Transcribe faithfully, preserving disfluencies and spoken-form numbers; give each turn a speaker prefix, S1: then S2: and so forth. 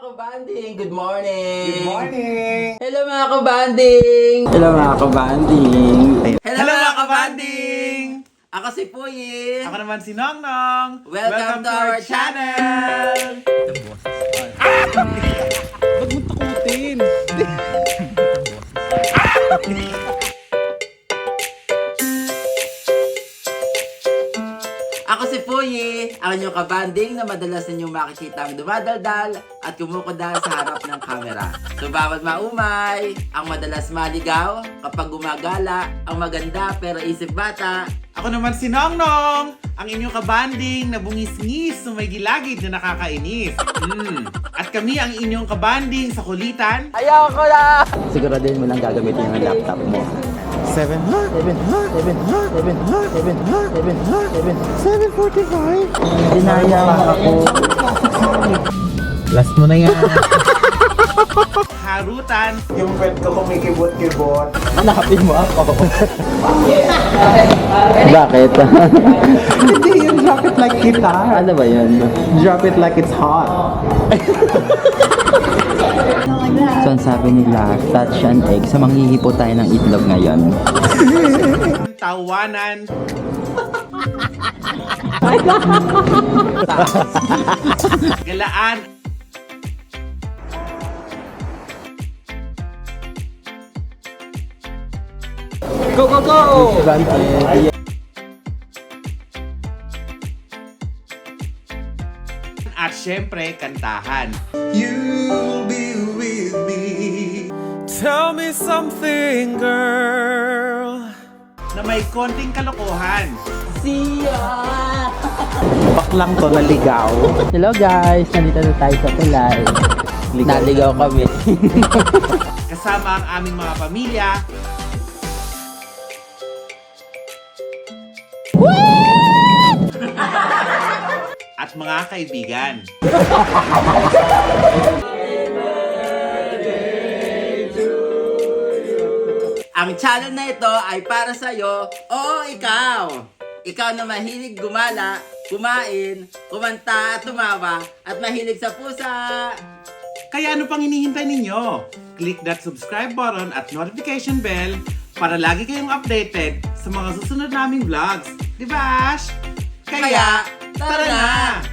S1: kabanding! Good morning!
S2: Good morning!
S1: Hello mga kabanding!
S3: Hello mga kabanding!
S1: Hello,
S2: Hello
S1: mga
S2: mga kabanding!
S1: Ako si Puyi!
S2: Ako naman si Nongnong!
S1: Welcome, to our channel!
S2: Ba't mo takutin?
S1: Ako si Puyi, ang inyong kabanding na madalas ninyong makikita ang dumadaldal at kumukudal sa harap ng kamera. So bawat maumay, ang madalas maligaw kapag gumagala, ang maganda pero isip bata.
S2: Ako naman si Nongnong! Ang inyong kabanding na bungis-ngis sa may gilagid na nakakainis. Mm. At kami ang inyong kabanding sa kulitan.
S1: Ayaw ko na!
S3: Siguraduhin mo lang gagamitin yung laptop mo.
S2: Seven ha?
S3: Seven ha? Seven ha? Seven ha? Seven ha? Seven ha? Seven Seven forty-five? Dinaya ako.
S2: Last mo na yan. Harutan.
S4: Yung friend ko kumikibot-kibot.
S3: Hanapin mo ako. Bakit?
S4: Hindi, yung drop it like guitar.
S3: Ano ba yun?
S4: Drop it like it's hot.
S3: So ang sabi nila, touch an egg. So manghihipo tayo ng itlog ngayon.
S2: Tawanan. Galaan.
S3: Go, go, go!
S2: At syempre, kantahan.
S4: You'll be with me.
S2: Tell me something, girl. Na may konting kalokohan.
S4: Baklang to naligaw.
S3: Hello guys! Nandito na tayo sa Tulay. Naligaw kami.
S2: Kasama ang aming mga pamilya. At mga kaibigan.
S1: Ang channel na ito ay para sa'yo, oo ikaw! Ikaw na mahilig gumala, kumain, kumanta at tumawa, at mahilig sa pusa!
S2: Kaya ano pang hinihintay ninyo? Click that subscribe button at notification bell para lagi kayong updated sa mga susunod naming vlogs. Di ba, Ash?
S1: Kaya, tara na!